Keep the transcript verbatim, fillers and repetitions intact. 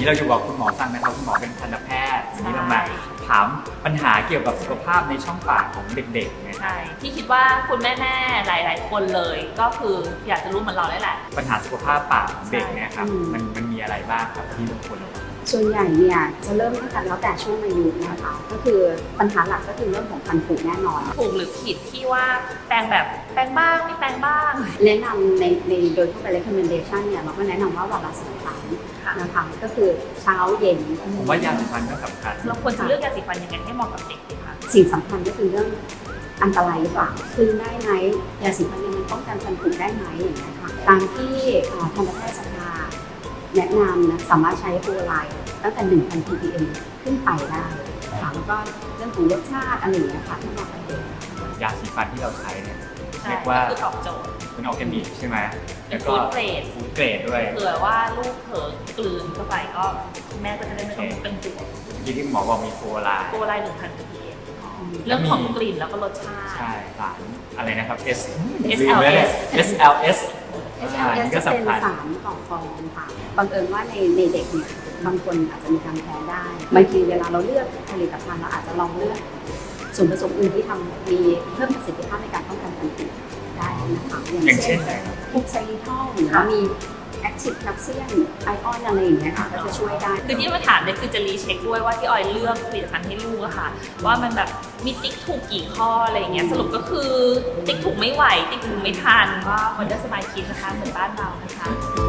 นี้เราอยู่กับคุณหมอซังนะครับคุณหมอเป็นทันตแพทย์วันนี้เรามาถามปัญหาเกี่ยวกับสุขภาพในช่องปากของเด็กๆนะใช่ที่คิดว่าคุณแม่ๆหลายๆคนเลยก็คืออยากจะรู้เหมือนเราได้แหละปัญหาสุขภาพปากของเด็กเนี่ยครับมันมันมีอะไรบ้างครับที่ทุกคนส่วนใหญ่เนี่ยจะเริ่มตั้งแต่แล้วแต่ช่วงอายุนะคะก็คือปัญหาหลักก็คือเรื่องของฟันผุแน่นอนถูกหรือผิดที่ว่าแปรงแบบแปรงบ้างไม่แปรงบ้างแนะนำในในโดยทั่วไป recommendation เนี่ยเราก็แนะนำว่าวันละสองครั้งนะคะก็คือเช้าเย็นผมว่ายาสีฟันก็สำคัญเราควรจะเลือกยาสีฟันยังไงให้เหมาะกับเด็กดีคะสิ่งสำคัญก็คือเรื่องอันตรายหรือเปล่าคืนได้ไหมยาสีฟันเนี่ยมันป้องกันฟันผุได้ไหมอย่างเงี้ยค่ะตามที่ทันตแพทยสภาแนะนำนะสามารถใช้ฟลูออไรด์ตั้งแต่ หนึ่งพัน พี พี เอ็ม ขึ้นไปได้ค่ะแล้วก็เรื่องของรสชาติอะไรอย่างเงี้ยค่ะที่เหมาะกับเด็กยาสีฟันที่เราใช้เนี่ยเรียกว่าคือตอบโจทย์เป็นออร์แกนิกใช่ไหมแล้วก็ฟู้ดเกรดฟู้ดเกรดด้วยเผื่อว่าลูกเผลอกลืนเข้าไปก็แม่ก็จะได้ไม่ต้องเป็นห่วงที่ที่หมอบอกมีฟลูออไรด์ฟลูออไรด์ หนึ่งพัน พี พี เอ็ม เรื่องของกลิ่นแล้วก็รสชาติใช่สารอะไรนะครับ S เอส แอล เอสเอส แอล เอสเอส แอล เอส จะเป็นสารก่อฟองค่ะบังเอิญว่าในในเด็กเนี่ยบางคนอาจจะมีการแพ้ได้บางทีเวลาเราเลือกผลิตภัณฑ์เราอาจจะลองเลือกส่วนผสมอื่นที่ทำมีเพิ่มประสิทธิภาพในการป้องกันฟันผุได้นะคะอย่างเช่นอะไรครับพวกไซริทอลหรือว่ามีแอคทีฟแคลเซียมไอออนอะไรอย่างเงี้ยค่ะก็จะช่วยได้คือที่มาถามเนี่ยคือจะรีเช็คด้วยว่าที่ออยเลือกผลิตภัณฑ์ให้ลูกอะค่ะว่ามันแบบมีติ๊กถูกกี่ข้ออะไรอย่างเงี้ยสรุปก็คือติ๊กถูกไม่ไหวติ๊กถูกไม่ทันก็วันเดอร์สมายคิดนะคะเหมือนบ้านเรานะคะ